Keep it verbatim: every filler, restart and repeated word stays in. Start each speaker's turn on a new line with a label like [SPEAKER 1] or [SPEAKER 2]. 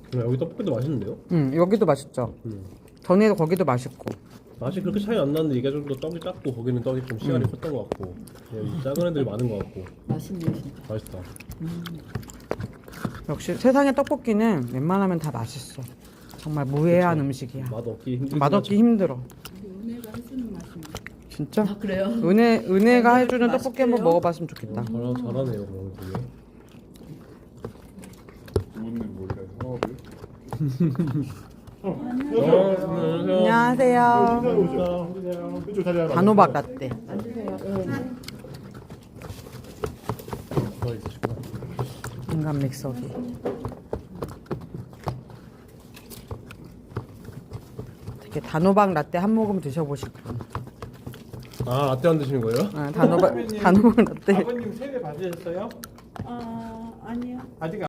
[SPEAKER 1] 여기 떡볶이도 맛있는데요?
[SPEAKER 2] 응, 여기도 맛있죠.
[SPEAKER 1] 음.
[SPEAKER 2] 전에도 거기도 맛있고.
[SPEAKER 1] 맛이 그렇게 차이 안 나는데 이게 좀 더 떡이 작고 거기는 떡이 좀 씨알이 컸던 것 같고 여기 작은 애들이 많은 것 같고
[SPEAKER 3] 맛있네 진짜.
[SPEAKER 1] 맛있다.
[SPEAKER 2] 역시 세상의 떡볶이는 웬만하면 다 맛있어. 정말 무해한
[SPEAKER 1] 그쵸.
[SPEAKER 2] 음식이야.
[SPEAKER 1] 맛없기 힘들지.
[SPEAKER 2] 맛없기 힘들어.
[SPEAKER 3] 은혜가 해주는 맛이네.
[SPEAKER 2] 진짜?
[SPEAKER 3] 아 그래요?
[SPEAKER 2] 은혜 은혜가 해주는
[SPEAKER 3] 맛있대요?
[SPEAKER 2] 떡볶이 한번 먹어봤으면 좋겠다.
[SPEAKER 1] 어, 잘하, 잘하네요 그럼 되게.
[SPEAKER 4] 이분은 몰래 사업을.
[SPEAKER 2] 안녕하세요.
[SPEAKER 4] 오세요. 이쪽 자리 하나.
[SPEAKER 2] 단호박 라떼.
[SPEAKER 3] 앉으세요. 네.
[SPEAKER 1] 더 있으시구나.
[SPEAKER 2] 인간 믹서기. 되게 단호박 라떼 한 모금 드셔보실 분.
[SPEAKER 1] 아 라떼 안 드시는 거예요?
[SPEAKER 2] 아, 단호박 단호박 라떼.
[SPEAKER 5] 아버님 세례 받으셨어요?
[SPEAKER 3] 아 아니요.
[SPEAKER 5] 아직